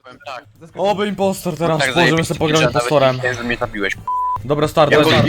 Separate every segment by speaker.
Speaker 1: Powiem tak.
Speaker 2: Oby impostor teraz,
Speaker 1: Tak,
Speaker 2: możemy
Speaker 1: zajebiście,
Speaker 2: sobie pograć
Speaker 1: że nawet
Speaker 2: impostorem.
Speaker 1: nie wiem, że mnie zabiłeś.
Speaker 2: Dobra, start,
Speaker 1: Ja
Speaker 2: lecimy.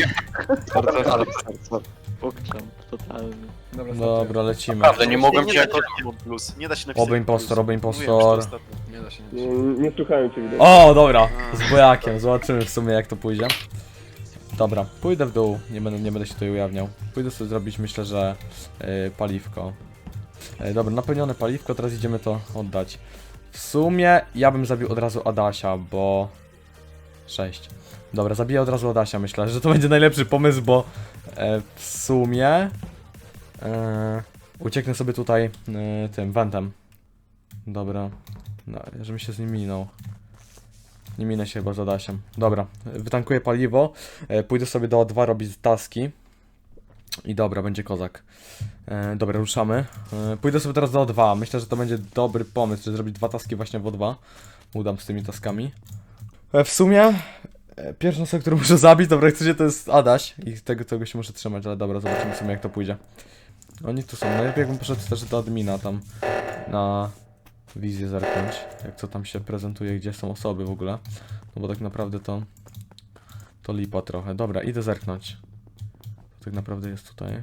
Speaker 3: Pokczam, totalny.
Speaker 2: Dobra, lecimy.
Speaker 1: Naprawdę, nie mogłem
Speaker 4: Nie
Speaker 1: cię
Speaker 4: da
Speaker 1: jako...
Speaker 4: się napisać plus. Nie da się napisać
Speaker 2: Oby impostor, oby
Speaker 4: plus.
Speaker 2: impostor.
Speaker 4: Mówiłem już to ostatnio.
Speaker 5: Nie da się
Speaker 6: Nie słuchałem cię widać.
Speaker 2: O, dobra, z bojakiem, zobaczymy w sumie jak to pójdzie. Dobra, pójdę w dół, nie będę się tutaj ujawniał. Pójdę sobie zrobić, myślę, że paliwko. Dobra, napełnione paliwko, teraz idziemy to oddać. W sumie ja bym zabił od razu Adasia, bo... 6. Dobra, zabiję od razu Adasia, myślę, że to będzie najlepszy pomysł, bo w sumie ucieknę sobie tutaj tym wentem. Dobra, no, żebym się z nim minął. Nie minę się chyba z Adasiem. Dobra, wytankuję paliwo, pójdę sobie do O2 robić taski. I dobra, będzie kozak. Dobra, ruszamy. Pójdę sobie teraz do O2. Myślę, że to będzie dobry pomysł, żeby zrobić 2 taski właśnie w O2. Udam z tymi taskami. W sumie pierwszą osobę, którą muszę zabić, dobra, jak chcecie, to jest Adaś. I tego się muszę trzymać, ale dobra, zobaczymy sobie jak to pójdzie. Oni tu są. Najlepiej jakbym poszedł też do admina tam na wizję zerknąć. Jak co tam się prezentuje, gdzie są osoby w ogóle. No bo tak naprawdę to lipa trochę. Dobra, idę zerknąć. Tak naprawdę jest tutaj.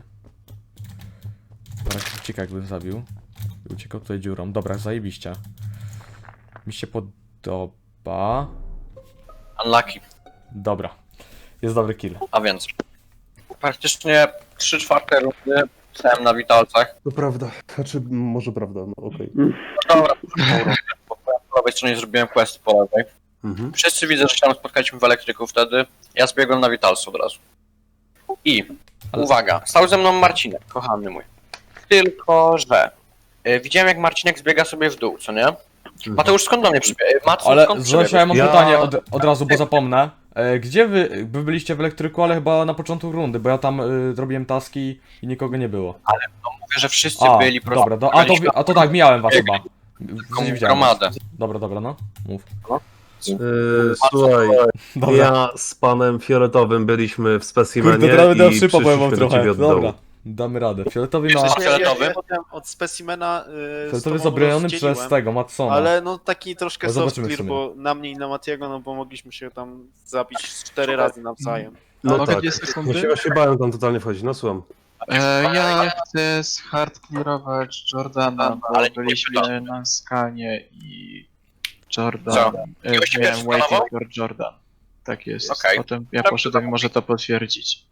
Speaker 2: Ucieka jakbym zabił. I uciekał tutaj dziurą. Dobra, zajebiście. Mi się podoba.
Speaker 1: Unlucky.
Speaker 2: Dobra. Jest dobry kill.
Speaker 1: A więc... Praktycznie 3/4 rundy stałem na witalcach.
Speaker 6: To prawda. Znaczy, może prawda, no okej.
Speaker 1: Dobra, po prawej stronie zrobiłem quest po lewej.
Speaker 6: Mhm.
Speaker 1: Wszyscy widzę, że się tam spotkaliśmy w elektryku wtedy. Ja zbiegłem na witalcu od razu. I... Uwaga, stał ze mną Marcinek, kochany mój. Tylko, że... widziałem jak Marcinek zbiega sobie w dół, co nie? Mateusz, skąd do mnie przybiegł?
Speaker 2: Ale
Speaker 1: skąd
Speaker 2: Zosia, ja mam
Speaker 6: Ja-
Speaker 2: pytanie od razu, bo zapomnę. Gdzie wy byliście w elektryku, ale chyba na początku rundy, bo ja tam robiłem taski i nikogo nie było.
Speaker 1: Mówię, że wszyscy
Speaker 2: A,
Speaker 1: byli
Speaker 2: dobra, a to tak, mijałem was chyba. Widziałem.
Speaker 1: gromadę.
Speaker 2: Dobra, no, mów.
Speaker 6: Słuchaj,
Speaker 2: Dobra.
Speaker 6: ja z panem Fioletowym byliśmy w specimenie
Speaker 2: Kurde, teraz będę
Speaker 6: i
Speaker 2: szypa, powiem wam
Speaker 6: przyszliśmy do
Speaker 2: trochę.
Speaker 6: ciebie od dołu.
Speaker 2: Dobra, damy radę. Fioletowy ma...
Speaker 1: Jesteś fioletowy?
Speaker 4: Potem od specimena
Speaker 2: Fioletowy jest obroniony przez tego, Matsona.
Speaker 4: Ale no taki troszkę
Speaker 2: No
Speaker 4: soft
Speaker 2: zobaczymy w
Speaker 4: clear,
Speaker 2: sumie.
Speaker 4: bo na mnie i na Matiego, no bo mogliśmy się tam zabić 4 razy nawzajem.
Speaker 6: No
Speaker 3: Mogę
Speaker 6: tak,
Speaker 3: 2 sekundy?
Speaker 6: ja się bałem tam totalnie wchodzić, no słucham.
Speaker 3: Ja chcę zhardclearować Jordana, bo
Speaker 1: Ale nie
Speaker 3: byliśmy na skanie i Jordan.
Speaker 1: Co?
Speaker 3: Miałem
Speaker 1: Ktoś cię
Speaker 3: waiting
Speaker 1: skanował?
Speaker 3: for Jordan. Tak jest.
Speaker 1: Okej.
Speaker 3: Potem ja poszedłem i może to potwierdzić.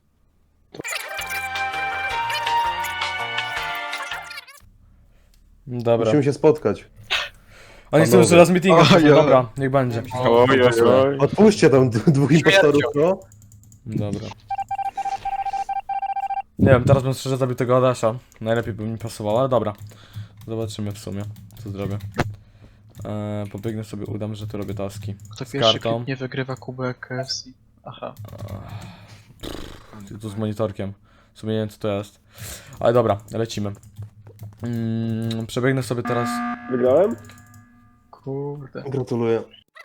Speaker 2: Dobra.
Speaker 6: Musimy się spotkać.
Speaker 2: Oni chcą
Speaker 6: Panowie.
Speaker 2: jeszcze raz meetinga,
Speaker 6: Ojej.
Speaker 2: dobra, niech będzie.
Speaker 6: Odpuśćcie tam dwóch impostorów, no.
Speaker 2: Dobra. Nie wiem, teraz bym szczerze zabił tego Adasia. Najlepiej by mi pasowało, ale dobra. Zobaczymy w sumie, co zrobię. Pobiegnę sobie, udam, że tu robię taski.
Speaker 3: Kto
Speaker 2: Z
Speaker 3: pierwszy
Speaker 2: kartą.
Speaker 3: kliknie wygrywa kubek KFC. Aha.
Speaker 2: Tu z monitorkiem. W sumie nie wiem, co to jest. Ale dobra, lecimy. Przebiegnę sobie teraz...
Speaker 6: Wygrałem?
Speaker 3: Kurde.
Speaker 6: Gratuluję.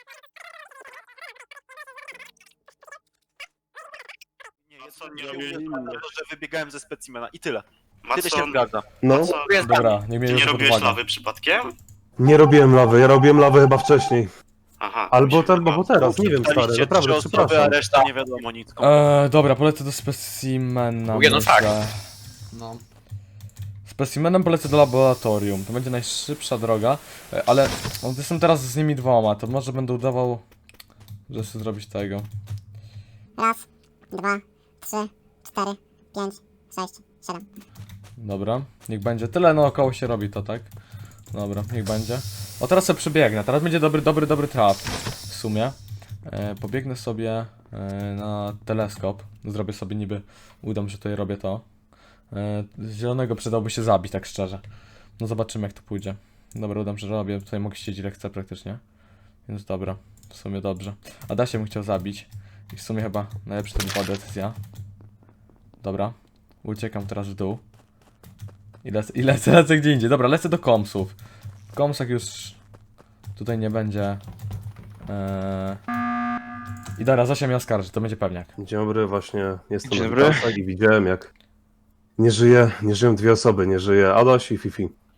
Speaker 4: Nie, że wybiegałem ze specimena i tyle. Tyle się
Speaker 7: Matson,
Speaker 4: zgadza.
Speaker 6: No,
Speaker 2: Dobra, niech mnie
Speaker 7: ty nie
Speaker 2: to pod
Speaker 7: robiłeś
Speaker 2: uwagę.
Speaker 7: lawy przypadkiem?
Speaker 6: nie robiłem lawy, ja robiłem lawę chyba wcześniej.
Speaker 7: Aha.
Speaker 6: Albo,
Speaker 7: mi się
Speaker 6: albo teraz, nie wiem stary,
Speaker 4: Daliście
Speaker 6: naprawdę,
Speaker 4: 3 osoby, a
Speaker 6: przepraszam.
Speaker 4: reszta nie wiadomo nic.
Speaker 2: Dobra, polecę do specimena.
Speaker 1: Był jeden
Speaker 2: myślę.
Speaker 1: fakt.
Speaker 2: No. Specimenem polecę do laboratorium. To będzie najszybsza droga. Ale jestem teraz z nimi dwoma, to może będę udawał, że chcę zrobić tego.
Speaker 8: Raz, dwa, trzy, cztery, pięć, sześć, siedem.
Speaker 2: Dobra, niech będzie. Tyle naokoło się robi to, tak? Dobra, niech będzie. O, teraz sobie przebiegnę. Teraz będzie dobry trap. W sumie. Pobiegnę sobie na teleskop. Zrobię sobie niby... Udam, że tutaj robię to. Zielonego przydałby się zabić, tak szczerze. No zobaczymy, jak to pójdzie. Dobra, udam, że robię. Tutaj mogę siedzieć ile chcę praktycznie. Więc dobra, w sumie dobrze. Adasia bym chciał zabić. I w sumie chyba najlepsza to była decyzja. Dobra. Uciekam teraz w dół. I lecę gdzie indziej. Dobra, lecę do komsów. W komsach już tutaj nie będzie. I dobra, Zosia mnie oskarży, to będzie pewniak.
Speaker 6: Dzień dobry, właśnie jestem
Speaker 3: Dzień
Speaker 6: na
Speaker 3: dobry.
Speaker 6: witalcach i widziałem jak nie żyją dwie osoby, nie żyje Adaś i Fifi.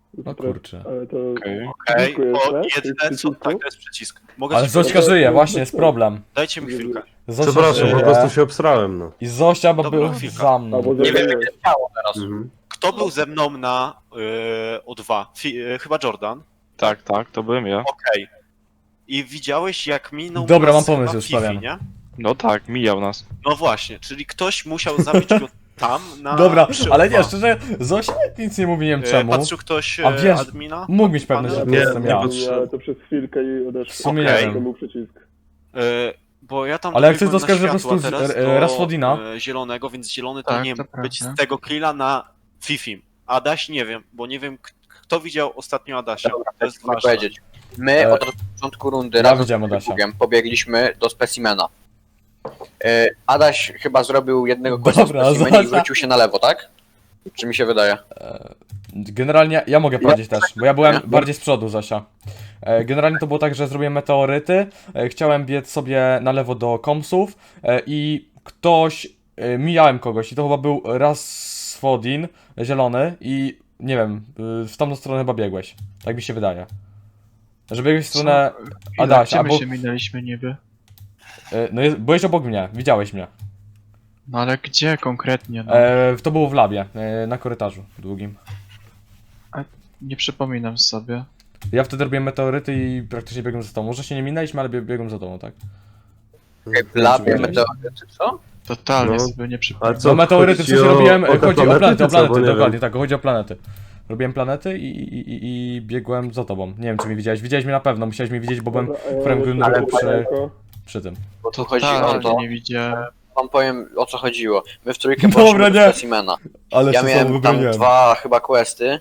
Speaker 2: No kurczę.
Speaker 6: Ale to...
Speaker 4: Okej,
Speaker 6: Dziękuję,
Speaker 4: o,
Speaker 6: tak?
Speaker 4: jedyne co...
Speaker 6: Przycisku?
Speaker 4: Tak, to jest przycisk. Mogę
Speaker 2: Ale
Speaker 4: coś
Speaker 2: Zośka
Speaker 4: powiedzieć?
Speaker 2: żyje, właśnie jest problem.
Speaker 4: Dajcie mi chwilkę.
Speaker 2: Zosia
Speaker 6: Przepraszam,
Speaker 2: żyje
Speaker 6: po prostu się obsrałem, no.
Speaker 2: i Zosia bo
Speaker 4: Dobra,
Speaker 2: był
Speaker 4: chwilkę.
Speaker 2: za mną.
Speaker 6: Albo
Speaker 1: Nie wiem, jakie ciało teraz.
Speaker 6: Mhm.
Speaker 4: Kto był ze mną na O2? Chyba Jordan.
Speaker 3: Tak, to byłem ja.
Speaker 4: Okej. I widziałeś jak minął
Speaker 2: Dobra,
Speaker 4: nas
Speaker 2: mam pomysł,
Speaker 4: chyba
Speaker 2: już
Speaker 4: Fifi,
Speaker 2: stawiam.
Speaker 4: nie?
Speaker 3: No tak, mijał nas.
Speaker 4: No właśnie, czyli ktoś musiał zabić go tam na...
Speaker 2: Dobra,
Speaker 4: przy
Speaker 2: ale nie,
Speaker 4: O2.
Speaker 2: szczerze, Zosia nic nie mówi, nie wiem czemu.
Speaker 4: Patrzył ktoś
Speaker 2: A wiesz,
Speaker 4: admina?
Speaker 2: Mógł mieć pewność, że to
Speaker 4: Nie,
Speaker 2: jestem ja.
Speaker 6: Ale to przez chwilkę i odeszło.
Speaker 2: W sumie nie
Speaker 4: Okej.
Speaker 2: wiem.
Speaker 6: To był przycisk.
Speaker 4: Bo ja tam
Speaker 2: Ale jak chcesz,
Speaker 4: dobiegłem
Speaker 2: to skaż,
Speaker 4: na
Speaker 2: że po
Speaker 4: światła
Speaker 2: prostu
Speaker 4: teraz
Speaker 2: z Rasfodina.
Speaker 4: do zielonego, więc zielony to
Speaker 3: Tak,
Speaker 4: nie
Speaker 3: to
Speaker 4: mógł być
Speaker 3: prawda.
Speaker 4: z tego killa na Fifim. Adaś nie wiem, bo nie wiem kto widział ostatnio Adasia. To jest
Speaker 1: Mogę
Speaker 4: ważne.
Speaker 1: powiedzieć. My od początku rundy
Speaker 2: ja
Speaker 1: razem
Speaker 2: widziałem
Speaker 1: z
Speaker 2: Adasia.
Speaker 1: Bugiem pobiegliśmy do specimena. Adaś chyba zrobił jednego questa w
Speaker 2: Dobra,
Speaker 1: specimenie i
Speaker 2: Zosia.
Speaker 1: wrócił się na lewo, tak? Czy mi się wydaje?
Speaker 2: Generalnie ja mogę powiedzieć też, bo ja byłem bardziej z przodu, Zosia. Generalnie to było tak, że zrobiłem meteoryty, chciałem biec sobie na lewo do komsów i mijałem kogoś i to chyba był Rasfodin, zielony i nie wiem, w tamtą stronę chyba biegłeś, tak mi się wydaje. Że biegłeś w stronę Adasia,
Speaker 3: Gdzie my
Speaker 2: albo...
Speaker 3: się minęliśmy niby?
Speaker 2: No byłeś obok mnie, widziałeś mnie.
Speaker 3: No ale gdzie konkretnie? No?
Speaker 2: To było w labie, na korytarzu długim.
Speaker 3: Nie przypominam sobie.
Speaker 2: Ja wtedy robiłem meteoryty i praktycznie biegłem za tobą. Może się nie minęliśmy, ale biegłem za tobą, tak?
Speaker 1: W labie
Speaker 2: Czy
Speaker 1: meteoryty, co?
Speaker 3: Totalnie
Speaker 6: No.
Speaker 3: sobie nie
Speaker 6: Ale
Speaker 3: przypominam.
Speaker 6: co,
Speaker 2: No meteoryty w
Speaker 6: chodzi
Speaker 2: sensie robiłem,
Speaker 6: te
Speaker 2: chodzi o planety,
Speaker 6: czy co? Bo nie
Speaker 2: dokładnie,
Speaker 6: wiem.
Speaker 2: tak, chodzi o planety. Robiłem planety i biegłem za tobą. Nie wiem, czy mnie widziałeś. Widziałeś mnie na pewno, musiałeś mnie widzieć, bo byłem prawym górnym
Speaker 1: ale
Speaker 2: rogu przy tym.
Speaker 1: Bo tu chodzi o
Speaker 3: Totalnie
Speaker 1: to,
Speaker 3: nie widziałem.
Speaker 1: wam powiem o co chodziło. My w trójkę
Speaker 2: Dobra,
Speaker 1: poszliśmy do
Speaker 2: nie.
Speaker 1: specimena.
Speaker 2: Ale
Speaker 1: Ja
Speaker 2: się
Speaker 1: miałem
Speaker 2: sam
Speaker 1: tam
Speaker 2: wybroniłem.
Speaker 1: 2 chyba questy.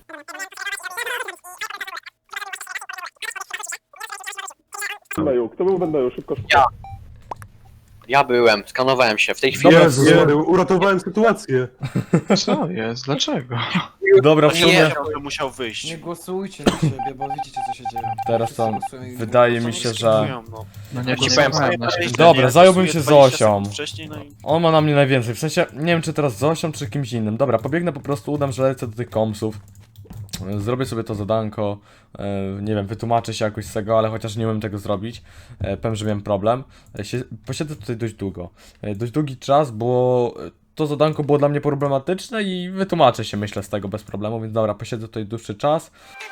Speaker 6: Bendeju, kto był Bendeju? Szybko, szybko.
Speaker 1: Ja. Ja byłem, skanowałem się. W tej chwili...
Speaker 6: Jezus, uratowałem sytuację.
Speaker 3: Co jest? Dlaczego?
Speaker 2: Dobra, w
Speaker 1: Nie,
Speaker 2: sumie
Speaker 4: Musiał wyjść.
Speaker 5: Nie głosujcie na siebie, bo widzicie co się dzieje.
Speaker 2: teraz to
Speaker 5: Wszyscy głosują i
Speaker 2: wydaje
Speaker 5: nie
Speaker 2: mi się, że...
Speaker 4: Skipują, no.
Speaker 3: No nie
Speaker 1: Ci powiem,
Speaker 3: głosowałem na siebie.
Speaker 2: Dobra,
Speaker 4: Ja
Speaker 2: zająłbym
Speaker 4: głosuję
Speaker 2: się
Speaker 4: 20
Speaker 2: Zosią.
Speaker 4: sekund wcześniej, no i...
Speaker 2: On ma na mnie najwięcej, w sensie, nie wiem czy teraz z Zosią, czy kimś innym. Dobra, pobiegnę po prostu, udam, że lecę do tych komsów. Zrobię sobie to zadanko, nie wiem, wytłumaczę się jakoś z tego, ale chociaż nie umiem tego zrobić. Powiem, że miałem problem. Posiedzę tutaj dość długo. Dość długi czas, bo to zadanko było dla mnie problematyczne i wytłumaczę się, myślę, z tego bez problemu, więc dobra, posiedzę tutaj dłuższy czas.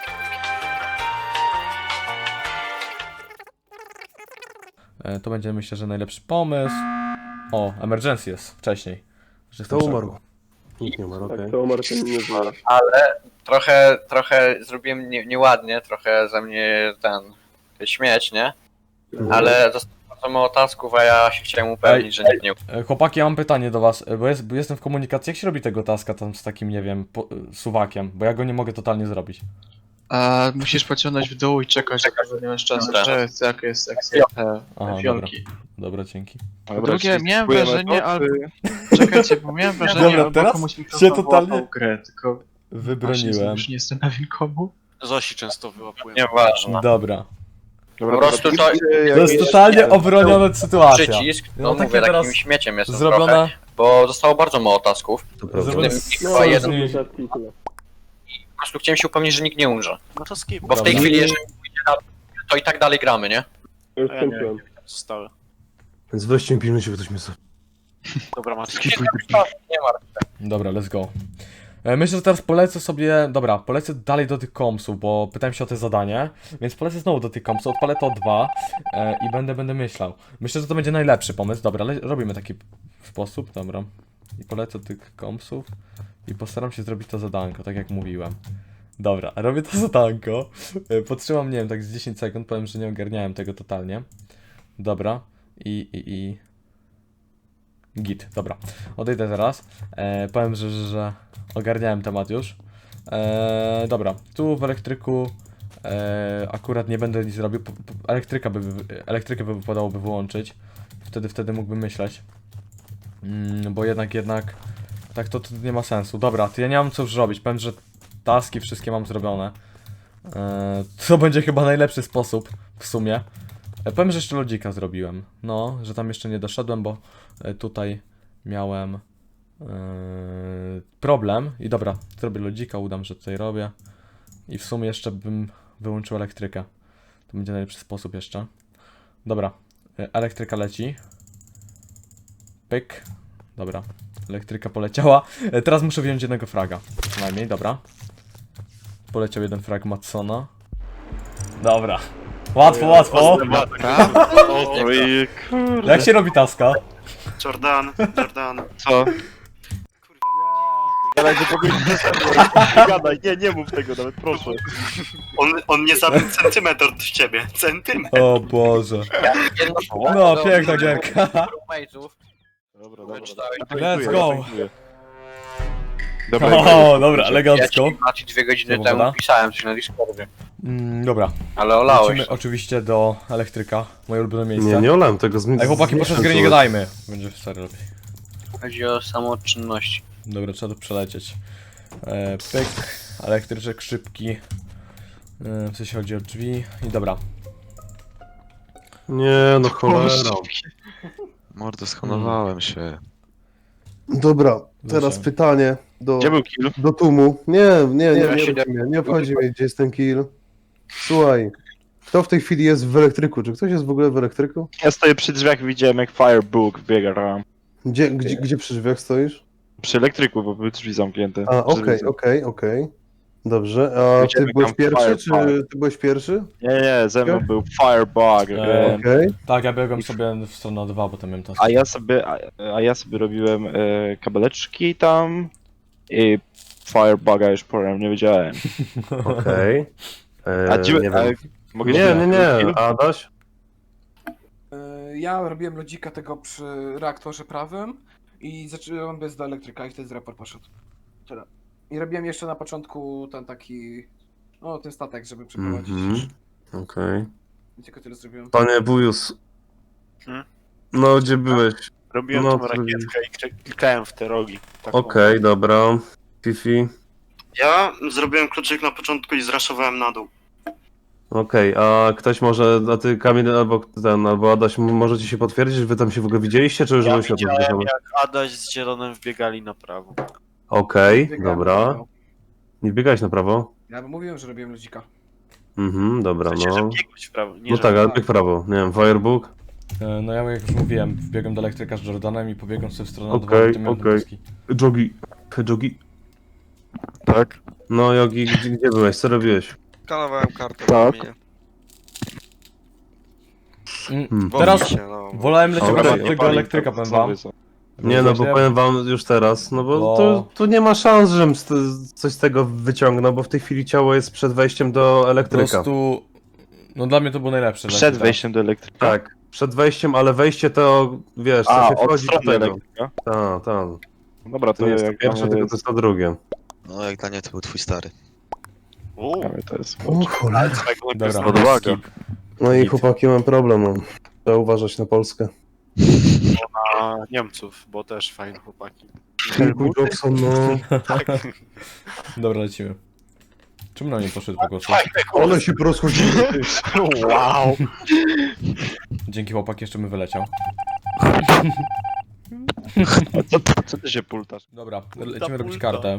Speaker 2: To będzie, myślę, że najlepszy pomysł. O, emergency jest wcześniej. Że
Speaker 6: Kto
Speaker 2: jestem w
Speaker 6: umarł?
Speaker 2: szoku.
Speaker 6: Nikt nie umarł, okej. To umarł, to nie żyje.
Speaker 1: Trochę zrobiłem nieładnie, trochę ze mnie śmieć, nie? Ale zostało bardzo mało tasków, a ja się chciałem upewnić, że nikt nie...
Speaker 2: Chłopaki, ja mam pytanie do was, bo jestem w komunikacji, jak się robi tego taska tam z takim, nie wiem, suwakiem, bo ja go nie mogę totalnie zrobić.
Speaker 3: A musisz pociągnąć w dół i czekać, aż nie masz czasu.
Speaker 1: Dobra.
Speaker 3: Że jest jak jest akcja te
Speaker 2: Aha,
Speaker 3: fiolki.
Speaker 2: Dobra, dzięki.
Speaker 3: Po drugie, miałem wrażenie, albo... Czekajcie, bo miałem wrażenie,
Speaker 2: Dobra,
Speaker 3: albo
Speaker 2: teraz
Speaker 3: komuś
Speaker 2: się
Speaker 3: mikrofon
Speaker 2: totalnie
Speaker 3: wyłapał grę, tylko właśnie
Speaker 2: Wybroniłem.
Speaker 3: już nie jestem pewien komu.
Speaker 4: Zosi często wyłapują.
Speaker 1: Nieważne.
Speaker 2: Dobra.
Speaker 1: Po prostu to
Speaker 2: To jest totalnie obroniona sytuacja.
Speaker 1: przycisk,
Speaker 2: No,
Speaker 1: no
Speaker 2: takie
Speaker 1: mówię,
Speaker 2: teraz
Speaker 1: takim śmieciem jestem
Speaker 2: Zrobione...
Speaker 1: trochę, bo zostało bardzo mało tasków.
Speaker 6: To prawda.
Speaker 2: Zrobione
Speaker 1: Chyba
Speaker 2: z-
Speaker 1: jeden.
Speaker 2: z-
Speaker 1: Po prostu chciałem się upewnić, że nikt nie umrze.
Speaker 4: No to skip.
Speaker 1: Bo w tej
Speaker 2: Dobra.
Speaker 1: chwili, jeżeli pójdzie na... to i tak dalej gramy, nie?
Speaker 6: Już
Speaker 4: A ja nie
Speaker 6: skończyłem.
Speaker 4: Zostały.
Speaker 6: Więc weźcie mi pilnujcie, bo ktoś mnie zabił.
Speaker 4: Dobra, Maciek.
Speaker 1: Nie ma.
Speaker 2: Dobra, let's go. Myślę, że teraz polecę sobie, dobra, polecę dalej do tych kompsów, bo pytałem się o te zadanie, więc polecę znowu do tych kompsów, odpalę to 2 i będę myślał. Myślę, że to będzie najlepszy pomysł, dobra, robimy taki sposób, dobra. I polecę do tych kompsów i postaram się zrobić to zadanko, tak jak mówiłem. Dobra, robię to zadanko, podtrzymam, nie wiem, tak z 10 sekund, powiem, że nie ogarniałem tego totalnie. Dobra, Git, dobra. Odejdę teraz. Powiem, że ogarniałem temat już. Dobra, tu w elektryku akurat nie będę nic robił. Elektrykę by wypadałoby wyłączyć. Wtedy mógłbym myśleć. Bo jednak tak to nie ma sensu. Dobra, to ja nie mam co już robić. Powiem, że taski wszystkie mam zrobione. To będzie chyba najlepszy sposób w sumie. Powiem, że jeszcze lodzika zrobiłem. No, że tam jeszcze nie doszedłem, bo tutaj miałem problem. I dobra, zrobię lodzika, udam, że tutaj robię. I w sumie jeszcze bym wyłączył elektrykę. To będzie najlepszy sposób jeszcze. Dobra, elektryka leci. Pyk. Dobra, elektryka poleciała. Teraz muszę wziąć jednego fraga. Przynajmniej, dobra. Poleciał jeden frag Matsona. Dobra. Łatwo, łatwo.
Speaker 4: Oj, kurde.
Speaker 2: Jak się robi taska?
Speaker 7: Jordan.
Speaker 4: Co? Gadaj, że pogodzić Gadaj, nie mów tego nawet, proszę.
Speaker 7: On nie zabił centymetr w ciebie. Centymetr.
Speaker 2: O Boże.
Speaker 1: Jedno
Speaker 2: No, piękna gierka.
Speaker 1: roommate'ów.
Speaker 4: Dobra,
Speaker 1: Wyczytałeś.
Speaker 2: Let's go.
Speaker 4: Dobra,
Speaker 2: O, dobra,
Speaker 1: Ja
Speaker 2: elegancko.
Speaker 1: ci Maciej 2 godziny
Speaker 2: Co
Speaker 1: temu
Speaker 2: powiada?
Speaker 1: pisałem coś na Discordzie.
Speaker 2: Dobra,
Speaker 1: Ale olałeś.
Speaker 2: lecimy oczywiście do elektryka. Moje ulubione miejsce.
Speaker 6: Nie, nie olałem tego
Speaker 2: Ej, chłopaki, proszę z gry nie gadajmy. Będzie stary lepiej.
Speaker 1: Chodzi o samoczynności.
Speaker 2: Dobra, trzeba to przelecieć. Pyk, elektryczek szybki. W sensie chodzi o drzwi. I dobra.
Speaker 6: Nie, no cholera.
Speaker 9: Mordo, schonowałem się.
Speaker 6: Dobra, teraz
Speaker 2: Proszę.
Speaker 6: pytanie
Speaker 4: Gdzie był kill?
Speaker 6: do Tumu. Nie
Speaker 1: się
Speaker 6: obchodzi mnie, nie obchodzi mnie, gdzie jest ten kill. Słuchaj, kto w tej chwili jest w elektryku? Czy ktoś jest w ogóle w elektryku?
Speaker 4: Ja stoję przy drzwiach i widziałem jak Firebook biega tam.
Speaker 6: Gdzie przy drzwiach stoisz?
Speaker 4: Przy elektryku, bo były drzwi zamknięte.
Speaker 6: A,
Speaker 4: Drzwi
Speaker 6: okej. Dobrze, a ty
Speaker 4: Widziałem
Speaker 6: byłeś
Speaker 4: tam
Speaker 6: pierwszy, czy
Speaker 4: Firebug.
Speaker 6: ty byłeś pierwszy?
Speaker 4: Nie, ze mną był Firebug.
Speaker 6: Okej.
Speaker 2: Tak, ja biegłem sobie w stronę 2, bo tam miałem task.
Speaker 4: A ja sobie robiłem kabeleczki tam i Firebuga już powiem, nie wiedziałem.
Speaker 6: Okej.
Speaker 4: A gdzie...
Speaker 6: nie wiem.
Speaker 4: Mogę
Speaker 6: Nie, Adaś?
Speaker 5: Ja robiłem lodzika tego przy reaktorze prawym i zacząłem bez do elektryka i wtedy raport poszedł. Tyle. I robiłem jeszcze na początku ten taki... O, ten statek, żeby przeprowadzić.
Speaker 6: Okej.
Speaker 5: I tylko tyle zrobiłem.
Speaker 6: Panie Bujus.
Speaker 4: Hmm?
Speaker 6: No, gdzie byłeś?
Speaker 4: Robiłem
Speaker 6: No,
Speaker 4: tą rakietkę i klikałem w te rogi. Taką.
Speaker 6: Okej, dobra. Fifi.
Speaker 7: Ja zrobiłem kluczyk na początku i zraszowałem na dół.
Speaker 6: Okej, a ktoś może, a ty Kamil albo Adaś, możecie się potwierdzić, że wy tam się w ogóle widzieliście, czy już
Speaker 4: Ja
Speaker 6: byłeś na
Speaker 4: widziałem
Speaker 6: to?
Speaker 4: jak Adaś z Zielonym wbiegali na prawo.
Speaker 6: Okej,
Speaker 5: Biegałem,
Speaker 6: dobra.
Speaker 5: biegałem.
Speaker 6: Nie biegałeś na prawo?
Speaker 5: Ja mówiłem, że robiłem lodzika.
Speaker 6: Dobra,
Speaker 4: W sensie, że
Speaker 6: no.
Speaker 4: biegłeś w prawo, nie
Speaker 6: No
Speaker 4: że...
Speaker 6: tak, ale bieg w prawo. Nie wiem, Firebook?
Speaker 2: No ja jak już mówiłem, wbiegłem do elektryka z Jordanem i pobiegłem sobie w stronę 2,
Speaker 6: Okej,
Speaker 2: gdzie miałem
Speaker 6: okej.
Speaker 2: taski.
Speaker 6: Jogi.
Speaker 4: Tak?
Speaker 6: No, Jogi, gdzie byłeś? Co robiłeś?
Speaker 9: Skanowałem kartę.
Speaker 4: Tak.
Speaker 2: Teraz
Speaker 9: no.
Speaker 2: wolałem lecieć
Speaker 6: Okej,
Speaker 2: okay, tego elektryka, powiem wam.
Speaker 6: Nie, no bo
Speaker 2: Właśnie
Speaker 6: powiem wam już teraz, no bo
Speaker 2: Bo-
Speaker 6: tu nie ma szans, żebym coś z tego wyciągnął, bo w tej chwili ciało jest przed wejściem do
Speaker 2: Po
Speaker 6: elektryka.
Speaker 2: prostu... No dla mnie to było najlepsze.
Speaker 4: Przed
Speaker 2: lecie,
Speaker 4: wejściem do elektryka?
Speaker 6: Tak, przed wejściem, ale wejście to, wiesz, to
Speaker 4: A,
Speaker 6: się
Speaker 4: od
Speaker 6: wchodzi do
Speaker 4: strony
Speaker 6: tego.
Speaker 4: elektryka?
Speaker 6: Tak.
Speaker 4: Dobra,
Speaker 6: To nie jest to
Speaker 4: jak
Speaker 6: pierwsze,
Speaker 4: dla mnie
Speaker 6: tylko to jest to drugie.
Speaker 9: No jak dla mnie to był twój stary.
Speaker 4: Dla mnie to jest...
Speaker 6: O cholera.
Speaker 2: Dobra,
Speaker 4: Odwaga.
Speaker 2: skip.
Speaker 6: No i
Speaker 2: Git.
Speaker 6: chłopaki, mam problem, no. Trzeba uważać na Polskę.
Speaker 4: Na Niemców, bo też fajne chłopaki.
Speaker 6: Kilku Jackson, no.
Speaker 2: Dobra, lecimy. Czemu na mnie poszedł po głosu?
Speaker 6: One się porozchodziły.
Speaker 4: Wow!
Speaker 2: Dzięki chłopak jeszcze bym wyleciał.
Speaker 4: Co ty się pultasz?
Speaker 2: Dobra, lecimy robić kartę.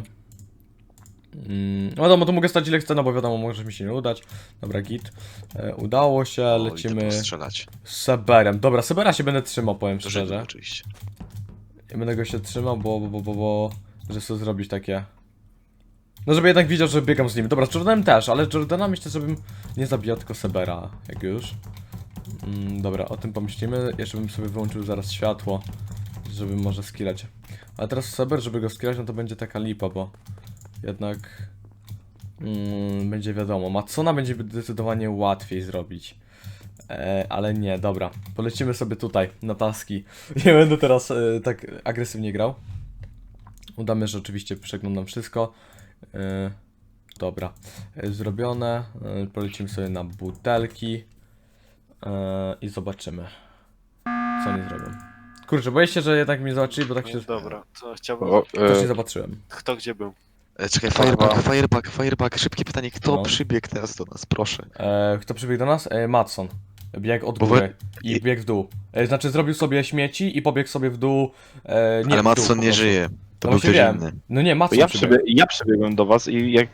Speaker 2: No wiadomo, to mogę stać ile chcę, no bo wiadomo, może mi się nie udać. Dobra, git. Udało się,
Speaker 9: O,
Speaker 2: lecimy
Speaker 9: idę postrzelać.
Speaker 2: z Seberem. Dobra, Sebera się będę trzymał, powiem
Speaker 9: To żeby
Speaker 2: szczerze.
Speaker 9: oczywiście.
Speaker 2: Ja będę go się trzymał, bo że chcę zrobić takie... No żeby jednak widział, że biegam z nim. Dobra, z Jordanem też, ale Jordana myślę, żebym nie zabijał tylko Sebera, jak już. Dobra, o tym pomyślimy. Jeszcze bym sobie wyłączył zaraz światło, żeby może skillać. Ale teraz Seber, żeby go skillać, no to będzie taka lipa, bo jednak będzie wiadomo. Matsona będzie zdecydowanie łatwiej zrobić. Ale nie, dobra. Polecimy sobie tutaj, na taski. Nie będę teraz tak agresywnie grał. Udamy, że oczywiście przeglądam wszystko. Dobra, zrobione. Polecimy sobie na butelki. I zobaczymy, co oni zrobią. Kurczę, boję się, że jednak mnie zobaczyli, bo tak się...
Speaker 4: Dobra, to chciałbym...
Speaker 2: Też nie zobaczyłem.
Speaker 4: Kto gdzie był?
Speaker 9: Czekaj, Firebug. Szybkie pytanie, kto
Speaker 2: No.
Speaker 9: przybiegł teraz do nas, proszę.
Speaker 2: Kto przybiegł do nas? Matson. Biegł od
Speaker 9: Bo
Speaker 2: góry i biegł w dół. Znaczy zrobił sobie śmieci i pobiegł sobie w dół. Nie,
Speaker 9: Ale
Speaker 2: w dół,
Speaker 9: Matson
Speaker 2: po
Speaker 9: nie
Speaker 2: prostu.
Speaker 9: żyje. To
Speaker 2: No
Speaker 9: był
Speaker 2: właśnie
Speaker 9: ktoś
Speaker 2: wiem.
Speaker 9: inny.
Speaker 2: No nie, Matson
Speaker 4: Ja,
Speaker 2: przybiegł.
Speaker 4: ja przybiegłem do was i jak...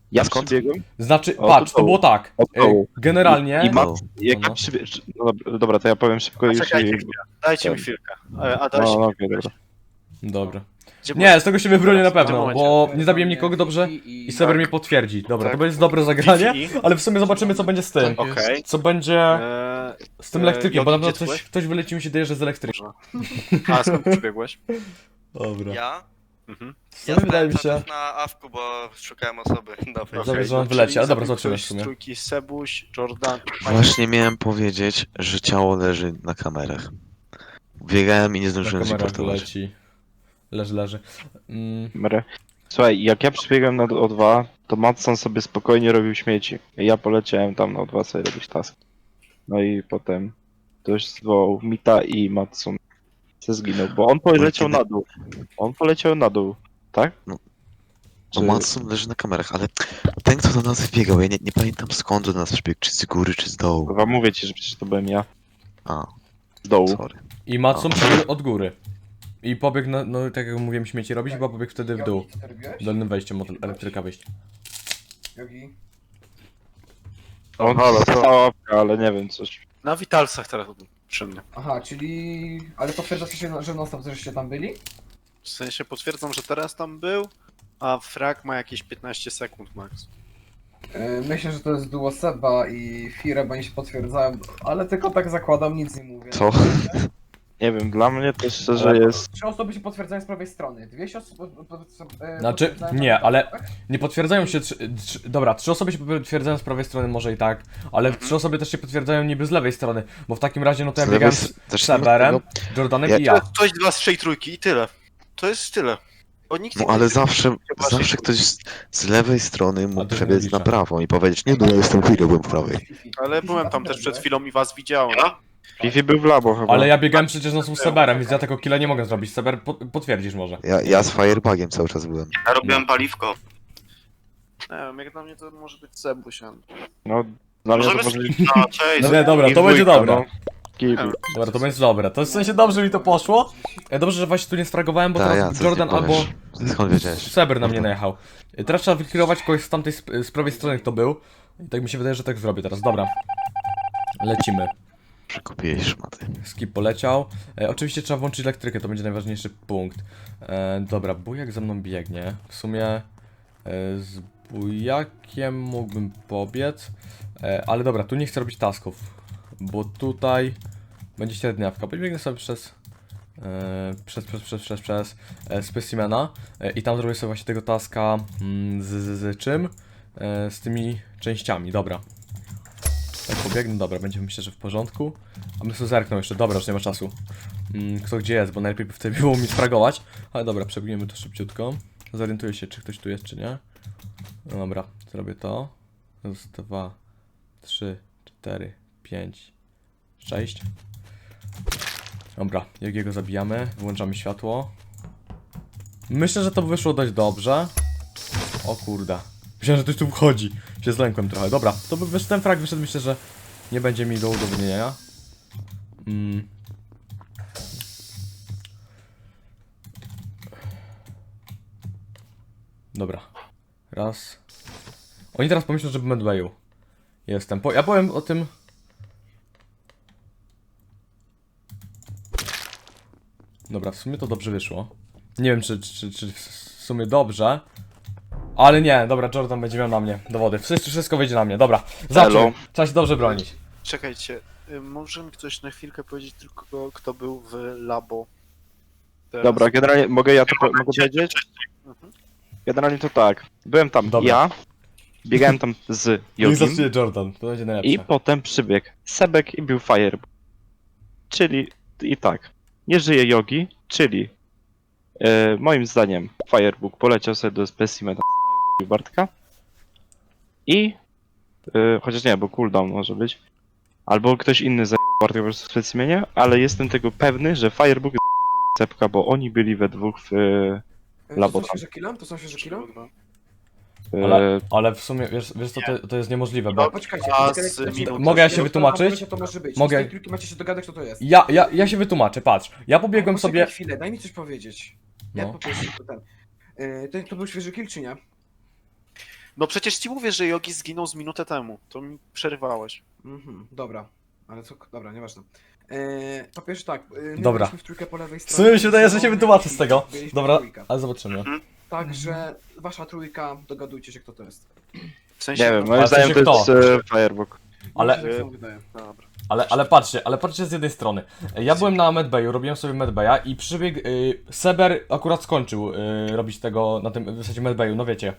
Speaker 4: Ja
Speaker 9: skąd?
Speaker 4: przybiegłem
Speaker 2: Znaczy,
Speaker 4: O,
Speaker 2: patrz,
Speaker 4: to
Speaker 2: to było tak.
Speaker 4: od dołu.
Speaker 2: Generalnie...
Speaker 4: i
Speaker 9: No.
Speaker 4: jak
Speaker 2: No.
Speaker 4: ja przybiegłem... Dobra, to ja powiem szybko już
Speaker 7: Czekajcie
Speaker 4: i...
Speaker 7: chwilę. Dajcie mi
Speaker 4: Ten.
Speaker 7: chwilkę. Adaś,
Speaker 4: No, okej, dobra.
Speaker 2: Dobra.
Speaker 7: gdzie
Speaker 2: Nie, z tego się wybronię na pewno,
Speaker 7: momencie.
Speaker 2: bo nie zabiję nikogo dobrze i Sever mnie potwierdzi. Dobra, to będzie dobre zagranie,
Speaker 7: Wi-Fi?
Speaker 2: ale w sumie zobaczymy co będzie z tym.
Speaker 7: Okej.
Speaker 2: Co będzie z tym elektrykiem, bo na
Speaker 7: Jogi,
Speaker 2: pewno
Speaker 7: gdzie ty
Speaker 2: ktoś wyleci mi się daje, że z elektrykiem.
Speaker 7: A skąd przybiegłeś?
Speaker 2: Dobra.
Speaker 9: Ja?
Speaker 7: Mhm.
Speaker 2: Co wydaje mi się?
Speaker 9: na awku, bo szukałem osoby. Dobra.
Speaker 2: Dobrze, że on wyleci, ale dobra, zobaczymy w sumie.
Speaker 7: Trójki Sebuś, Jordan.
Speaker 9: Właśnie miałem powiedzieć, że ciało leży na kamerach. Biegałem i nie
Speaker 2: Na
Speaker 9: zdążyłem
Speaker 2: kamerach
Speaker 9: zreportować.
Speaker 2: wyleci. Leży.
Speaker 4: Dobra. Słuchaj, jak ja przybiegłem na O2, to Matson sobie spokojnie robił śmieci. Ja poleciałem tam na O2 sobie robić task. No i potem ktoś zwołał Mita i Matson se zginął, bo on poleciał na dół. On poleciał na dół, tak?
Speaker 9: No
Speaker 4: Czy-
Speaker 9: Matson leży na kamerach, ale ten kto do nas wbiegał, ja nie pamiętam skąd do nas przybiegł, czy z góry, czy z dołu.
Speaker 4: Chyba mówię ci, że przecież to byłem ja.
Speaker 9: A,
Speaker 4: Z dołu.
Speaker 9: sorry.
Speaker 2: I Matson przebiegł od góry. I pobiegł, no tak jak mówiłem, śmieci robić, chyba pobiegł wtedy w dół.
Speaker 5: Jogi, co ty robiłeś?
Speaker 2: Dolnym wejściem od elektryka wyjść.
Speaker 5: Jogi.
Speaker 4: On stała łapka, ale nie wiem, coś.
Speaker 7: Na Witalsach teraz przy mnie.
Speaker 5: Aha, czyli... Ale potwierdzacie się, że non-stop żeście tam byli?
Speaker 7: W sensie potwierdzam, że teraz tam był, a frag ma jakieś 15 sekund max.
Speaker 5: Myślę, że to jest duo Seba i Fire, bo oni się potwierdzają, ale tylko tak zakładam, nic nie mówię.
Speaker 9: Co?
Speaker 4: Nie wiem, dla mnie to szczerze jest...
Speaker 5: 3 osoby się potwierdzają z prawej strony, 2 osoby...
Speaker 2: Znaczy,
Speaker 5: potwierdzają
Speaker 2: nie,
Speaker 5: tak,
Speaker 2: ale-
Speaker 5: tak?
Speaker 2: Nie potwierdzają się. Dobra, 3 osoby się potwierdzają z prawej strony, może i tak, ale 3 osoby też się potwierdzają niby z lewej strony, bo w takim razie, no to ja
Speaker 9: Z
Speaker 2: biegałem
Speaker 9: lewej
Speaker 2: z
Speaker 9: też nie ma
Speaker 2: Severem,
Speaker 9: tego-
Speaker 2: Jordanem
Speaker 9: Ja-
Speaker 2: i ja.
Speaker 7: Ktoś, dwa, z 3 trójki i tyle. To jest tyle. Bo nikt
Speaker 9: No
Speaker 7: nie
Speaker 9: ale
Speaker 7: będzie-
Speaker 9: zawsze ktoś z lewej strony
Speaker 2: A
Speaker 9: mógł
Speaker 2: to
Speaker 9: przebiec
Speaker 2: nie
Speaker 9: na
Speaker 2: liczę.
Speaker 9: prawą i powiedzieć, nie no ja jestem chwilę, byłem w prawej.
Speaker 7: Ale byłem tam też przed chwilą i was widziałem.
Speaker 4: Fifi był w labo chyba.
Speaker 2: Ale ja biegałem przecież na z Severem, więc ja tego killa nie mogę zrobić. Sever, potwierdzisz może.
Speaker 9: Ja z firebugiem cały czas byłem.
Speaker 7: Ja robiłem paliwko. Nie wiem, jak dla mnie to może być Sebuś.
Speaker 4: No, dla mnie to
Speaker 7: Możemy
Speaker 4: może być...
Speaker 7: No, cześć.
Speaker 2: No nie, dobra, to
Speaker 4: dwójka,
Speaker 2: będzie dobre.
Speaker 4: no. Kiwi.
Speaker 2: Dobra, to będzie dobre. To w sensie dobrze mi to poszło. Dobrze, że właśnie tu nie stragowałem, bo
Speaker 9: Ta,
Speaker 2: teraz
Speaker 9: co
Speaker 2: Jordan
Speaker 9: ty powiesz?
Speaker 2: albo
Speaker 9: Skąd wiedziałeś?
Speaker 2: Sever na mnie najechał. Teraz trzeba wykierować kogoś z tamtej, z prawej strony, kto był. I tak mi się wydaje, że tak zrobię teraz. Dobra. Lecimy.
Speaker 9: Przekupiłeś szmaty.
Speaker 2: Skip poleciał. Oczywiście trzeba włączyć elektrykę, to będzie najważniejszy punkt. Dobra, bujak ze mną biegnie. W sumie z bujakiem mógłbym pobiec. Ale dobra, tu nie chcę robić tasków. Bo tutaj będzie średniawka. Podbiegnę sobie przez specimena i tam zrobię sobie właśnie tego taska z czym? Z tymi częściami, dobra. Tak pobiegnę, dobra, będzie myślę, że w porządku. A my sobie zerkną jeszcze, dobra, już nie ma czasu. Kto gdzie jest, bo najlepiej by wtedy było mi spragować. Ale dobra, przebiegniemy to szybciutko. Zorientuję się, czy ktoś tu jest, czy nie. No dobra, zrobię to. Raz, 2, 3, 4, 5, 6. Dobra, Jogiego zabijamy, wyłączamy światło. Myślę, że to wyszło dość dobrze. O kurde. Myślałem, że ktoś tu wchodzi. Się zlękłem trochę. Dobra, to by ten frag wyszedł, myślę, że nie będzie mi do udowodnienia. Dobra. Raz. Oni teraz pomyślą, że w Medwayu jestem. Ja powiem o tym... Dobra, w sumie to dobrze wyszło. Nie wiem, czy w sumie dobrze. Ale nie, dobra, Jordan będzie miał na mnie dowody. Wszystko wyjdzie na mnie, dobra. Zacznij. Trzeba się dobrze bronić.
Speaker 7: Czekajcie, może mi ktoś na chwilkę powiedzieć tylko, kto był w labo? Teraz.
Speaker 4: Dobra, generalnie mogę ja to mogę powiedzieć?
Speaker 7: Mhm.
Speaker 4: Generalnie to tak. Byłem tam
Speaker 2: Dobra.
Speaker 4: ja, biegałem tam z
Speaker 2: I
Speaker 4: Jogim
Speaker 2: zacznie Jordan, to będzie najlepsze.
Speaker 4: i potem przybiegł Sebek i był Firebug. Czyli i tak, nie żyje Jogi, czyli moim zdaniem Firebug poleciał sobie do specimena Bartka i chociaż nie, bo cooldown może być, albo ktoś inny zajął Bartka po prostu w specimenie, ale jestem tego pewny, że Firebug Sepka, bo oni byli we dwóch w labo
Speaker 5: To są
Speaker 4: tam.
Speaker 5: świeże killa? To są świeże killa?
Speaker 2: Ale w sumie, wiesz co, to jest niemożliwe, bo...
Speaker 5: No, poczekajcie.
Speaker 7: A
Speaker 5: czekaj,
Speaker 7: z
Speaker 5: czekaj,
Speaker 7: minut.
Speaker 2: Mogę ja się
Speaker 5: czekaj,
Speaker 2: wytłumaczyć?
Speaker 5: To może być.
Speaker 2: Mogę.
Speaker 5: Z tej trójki macie się dogadać, kto to jest.
Speaker 2: Ja się wytłumaczę, patrz. Ja pobiegłem
Speaker 5: Poczekaj
Speaker 2: sobie...
Speaker 5: chwilę, daj mi coś powiedzieć.
Speaker 2: No.
Speaker 5: Jak po prostu to ten... to był świeży kill, czy nie?
Speaker 7: No przecież ci mówię, że Yogi zginął z minutę temu. To mi przerywałeś.
Speaker 5: Dobra. Ale co, dobra, nieważne. Po pierwsze tak, my
Speaker 2: Dobra.
Speaker 5: byliśmy w trójkę po lewej
Speaker 2: W
Speaker 5: stronie.
Speaker 2: sumie mi się wydaje, że się wytłumaczę z
Speaker 5: Byliśmy
Speaker 2: tego.
Speaker 5: w
Speaker 2: Dobra,
Speaker 5: trójkę.
Speaker 2: ale zobaczymy.
Speaker 5: Także wasza trójka, dogadujcie się kto to jest.
Speaker 7: W sensie...
Speaker 4: Nie wiem,
Speaker 2: Ale
Speaker 4: moim
Speaker 2: w sensie
Speaker 4: zdaniem to jest
Speaker 2: kto?
Speaker 4: Firebook.
Speaker 2: Ale-
Speaker 5: Mi się tak samo wydaje.
Speaker 7: Dobra.
Speaker 2: Ale patrzcie z jednej strony. Ja byłem na Medbayu, robiłem sobie Medbaya i przybiegł Seber akurat skończył robić tego na tym w zasadzie Medbayu, no wiecie,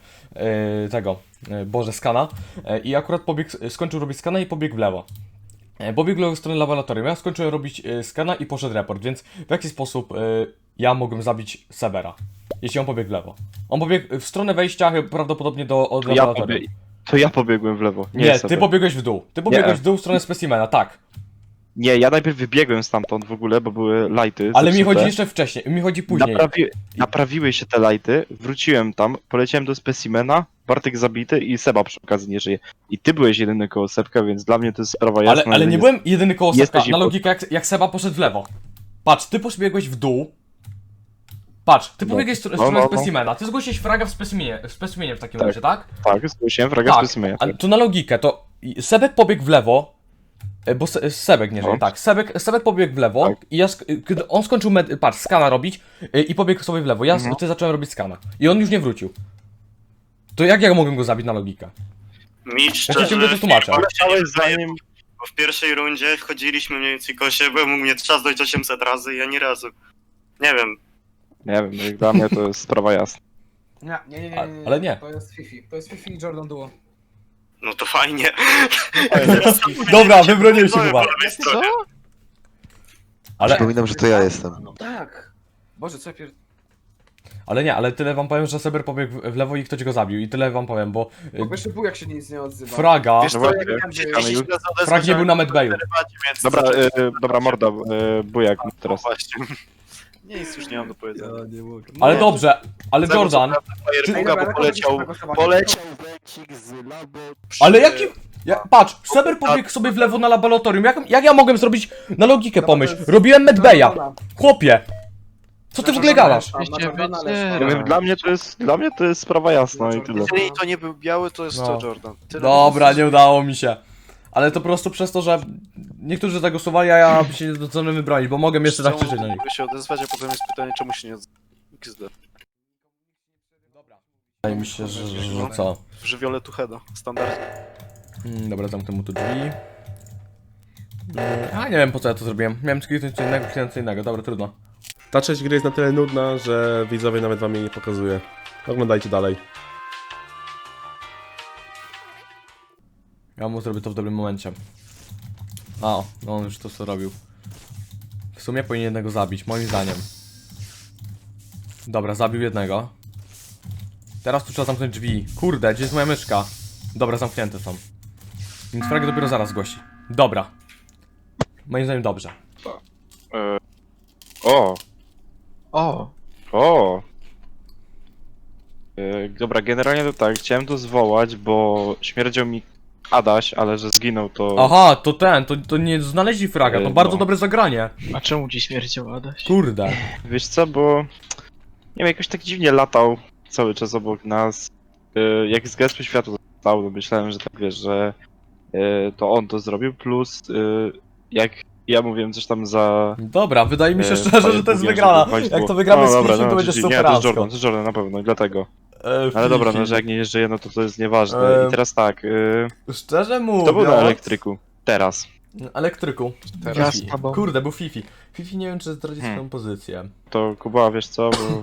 Speaker 2: Boże, skana. I akurat skończył robić skana i pobiegł w lewo. Pobiegł w stronę laboratorium. Ja skończyłem robić skana i poszedł report, więc w jaki sposób ja mogłem zabić Sebera, jeśli on pobiegł w lewo? On pobiegł w stronę wejścia prawdopodobnie od laboratorium.
Speaker 4: To ja pobiegłem w lewo.
Speaker 2: Nie,
Speaker 4: Seber.
Speaker 2: ty pobiegłeś w dół. Ty pobiegłeś w dół w stronę specimena, tak.
Speaker 4: Nie, ja najpierw wybiegłem stamtąd w ogóle, bo były lighty.
Speaker 2: Ale mi
Speaker 4: zepsute.
Speaker 2: chodzi jeszcze wcześniej, mi chodzi później.
Speaker 4: Naprawiły się te lighty, wróciłem tam, poleciałem do specimena, Bartek zabity i Seba przy okazji nie żyje. I ty byłeś jedyny koło Sebka, więc dla mnie to jest sprawa jasna.
Speaker 2: Ale
Speaker 4: że
Speaker 2: nie
Speaker 4: jest-
Speaker 2: byłem jedyny koło Sebka,
Speaker 4: jesteś
Speaker 2: na
Speaker 4: impo-
Speaker 2: logikę jak Seba poszedł w lewo. Patrz, ty pobiegłeś w dół. Patrz, ty pobiegłeś w stronę specimena, ty zgłosiłeś fraga w specimenie w takim
Speaker 4: Tak.
Speaker 2: razie, tak?
Speaker 4: Tak, zgłosiłem fraga
Speaker 2: Tak,
Speaker 4: specimena.
Speaker 2: ale to na logikę, to Sebek pobiegł w lewo, bo Sebek nie żyje,
Speaker 4: No.
Speaker 2: tak, Sebek pobiegł w lewo
Speaker 4: Tak.
Speaker 2: i kiedy on skończył patrz, skana robić i pobiegł sobie w lewo, ty zacząłem robić skana i on już nie wrócił. To jak ja mogłem go zabić na logikę?
Speaker 10: Mi
Speaker 2: Ja ci
Speaker 10: szczerze,
Speaker 2: ciągle to tłumaczę.
Speaker 4: Chciałeś zanim...
Speaker 10: bo w pierwszej rundzie wchodziliśmy mniej więcej koło siebie, mógł mnie trzasnąć 800 razy i ani razu. Nie wiem.
Speaker 4: Nie wiem, jak dla mnie to jest sprawa jasna.
Speaker 5: Nie.
Speaker 2: Ale nie.
Speaker 5: To jest Fifi. To jest Fifi i Jordan Duo.
Speaker 10: No to fajnie.
Speaker 2: Dobra, wybroniłem się chyba.
Speaker 7: Co?
Speaker 2: Ale,
Speaker 9: Przypominam, że to ja jestem.
Speaker 5: Tak. Boże, co ja
Speaker 2: ale tyle wam powiem, że Seber pobiegł w lewo i ktoś go zabił i tyle wam powiem, bo
Speaker 5: Po pierwsze był jak się nic nie odzywa.
Speaker 2: fraga,
Speaker 7: Wiesz co,
Speaker 4: właśnie,
Speaker 7: ja nie wiem,
Speaker 4: czekamy
Speaker 7: czy
Speaker 4: już.
Speaker 2: frag nie był na Medbayu.
Speaker 7: więc...
Speaker 4: Dobra, dobra morda, bujak teraz.
Speaker 7: Właśnie. Nic już nie mam do powiedzenia.
Speaker 2: Ale dobrze, ale Jordan,
Speaker 7: Firebuga, bo poleciał węcik z labo przy...
Speaker 2: ale jaki... Patrz, Seber pobiegł sobie w lewo na laboratorium, jak ja mogłem zrobić na logikę pomyśl? Robiłem Medbaya, chłopie! Co ty w ogóle gadasz?
Speaker 4: Nie wiem, dla mnie to jest sprawa jasna i tyle.
Speaker 7: Jeżeli to nie był biały, to jest
Speaker 2: No.
Speaker 7: to Jordan. Tyle.
Speaker 2: Dobra, nie udało mi się. Ale to po prostu przez to, że niektórzy zagłosowali, a ja się nie zdążyłem wybronić, bo mogę jeszcze tak krzyczeć na nich.
Speaker 7: Mogę się odezwać, a potem jest pytanie, czemu się nie odzywa. XD.
Speaker 2: Wydaje mi się, że co?
Speaker 7: W żywiole Tucheda, standardnie.
Speaker 2: Dobra, zamknę mu tu drzwi. A nie wiem po co ja to zrobiłem. Miałem kliknąć co innego, dobra, trudno.
Speaker 6: Ta część gry jest na tyle nudna, że widzowie nawet wam jej nie pokazuje. Oglądajcie dalej.
Speaker 2: Ja mu zrobię to w dobrym momencie. A, no on już to co robił. W sumie powinien jednego zabić, moim zdaniem. Dobra, zabił jednego. Teraz tu trzeba zamknąć drzwi. Kurde, gdzie jest moja myszka? Dobra, zamknięte są. Więc frag dopiero zaraz zgłosi. Dobra. Moim zdaniem dobrze.
Speaker 4: O,
Speaker 3: O!
Speaker 4: o. Dobra, generalnie to tak, chciałem to zwołać, bo śmierdział mi Adaś, ale że zginął to...
Speaker 2: Aha, to nie znaleźli fraga, to
Speaker 4: No.
Speaker 2: bardzo dobre zagranie.
Speaker 3: A czemu ci śmierdział Adaś?
Speaker 2: Kurde.
Speaker 4: Wiesz co, bo... Nie wiem, jakoś tak dziwnie latał cały czas obok nas. Jak z Gespy Światła został, to myślałem, że tak wiesz, że to on to zrobił, plus jak ja mówiłem coś tam za...
Speaker 2: Dobra, wydaje mi się szczerze, że to jest wygrana. Jak to wygramy z Fisiem, to będzie
Speaker 4: Nie,
Speaker 2: super
Speaker 4: to jest Jordan na pewno, i dlatego. Ale dobra, no że jak nie żyje, no to jest nieważne. I teraz tak,
Speaker 2: Szczerze mówiąc...
Speaker 4: kto był na elektryku? Teraz.
Speaker 2: Elektryku.
Speaker 3: Ja
Speaker 2: Fifi.
Speaker 3: z tobą.
Speaker 2: Kurde, był Fifi. Fifi nie wiem, czy zdradzi swoją pozycję.
Speaker 4: To Kuba, wiesz co, bo...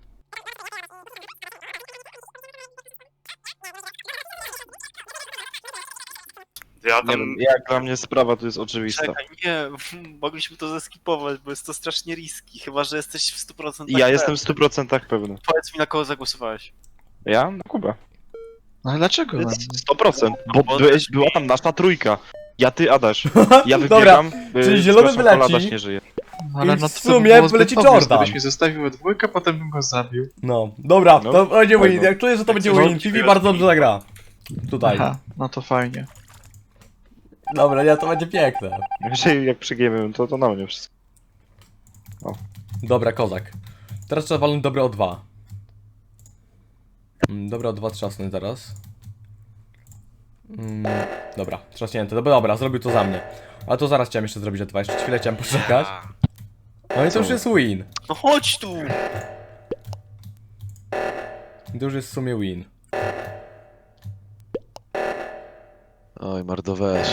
Speaker 10: Ja
Speaker 4: Nie
Speaker 10: tam...
Speaker 4: wiem, jak dla mnie sprawa tu jest oczywista.
Speaker 7: Czekaj, nie, mogliśmy to zeskipować, bo jest to strasznie riski, chyba że jesteś w 100%
Speaker 4: I ja jestem w 100% pewny.
Speaker 7: Powiedz mi, na kogo zagłosowałeś.
Speaker 4: Ja? Na Kubę.
Speaker 3: No ale dlaczego?
Speaker 4: To
Speaker 3: na
Speaker 4: jest
Speaker 3: mnie?
Speaker 4: 100%, bo była tam nasza trójka. Ja, ty, Adaś. Ja
Speaker 2: Dobra,
Speaker 4: wybiegam,
Speaker 2: czyli zielony
Speaker 4: zgłaszam,
Speaker 2: wyleci.
Speaker 4: Adaś nie żyje.
Speaker 3: Ale
Speaker 2: I w
Speaker 3: no to
Speaker 2: sumie
Speaker 3: było zbyt
Speaker 2: wyleci
Speaker 3: obvious,
Speaker 2: Jordan.
Speaker 3: Gdybyś mnie zostawił we dwójkę, potem bym go zabił.
Speaker 2: No, dobra,
Speaker 4: No,
Speaker 2: to będzie win.
Speaker 4: fajno.
Speaker 2: Jak czuję, że to będzie
Speaker 4: No,
Speaker 2: win. Fifi bardzo dobrze zagra. Tutaj.
Speaker 3: Aha, no to fajnie.
Speaker 2: Dobra, nie, to będzie piękne.
Speaker 4: Jeżeli jak przegiemy, to na mnie wszystko.
Speaker 2: Dobra, kozak. Teraz trzeba walnąć dobre O2. Dobre O2 trzasnąć zaraz. Dobra, trzaśnięte. Dobra, zrobił to za mnie. A to zaraz chciałem jeszcze zrobić dwa, jeszcze chwilę chciałem poczekać. No i to już jest win.
Speaker 7: No chodź tu!
Speaker 2: To już jest w sumie win.
Speaker 9: Oj, Mardo, weź.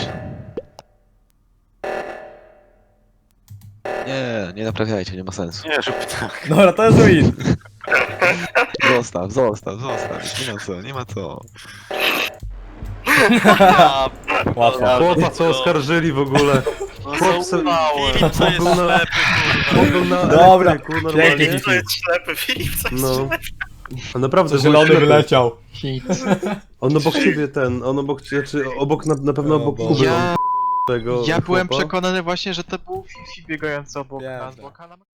Speaker 9: Nie naprawiajcie, nie ma sensu.
Speaker 7: Nie rób tak.
Speaker 2: Dobra, to jest win.
Speaker 9: Zostaw. Nie ma co.
Speaker 2: Łatwo.
Speaker 6: Chłopa co oskarżyli w ogóle.
Speaker 7: No
Speaker 6: Chłop se-
Speaker 7: zaufałem.
Speaker 10: Filip, co jest
Speaker 6: Był na-
Speaker 10: ślepy, kurwa.
Speaker 6: On był na
Speaker 2: Dobra,
Speaker 6: elektryku,
Speaker 2: pięknie.
Speaker 6: normalnie.
Speaker 10: Filip, co jest ślepy, Filip, co jest
Speaker 6: No.
Speaker 10: ślepy.
Speaker 6: A naprawdę był
Speaker 2: Zielony
Speaker 6: ślepy.
Speaker 2: wyleciał.
Speaker 6: On obok ciebie on obok, znaczy obok, na pewno
Speaker 2: O
Speaker 6: obok
Speaker 2: Boże.
Speaker 6: Kuby.
Speaker 3: Ja-
Speaker 6: Tego
Speaker 3: Ja byłem
Speaker 6: chłopa.
Speaker 3: przekonany właśnie, że to był Fifi biegający obok
Speaker 2: Wiem,
Speaker 3: nas,
Speaker 2: tak.
Speaker 3: bo Kana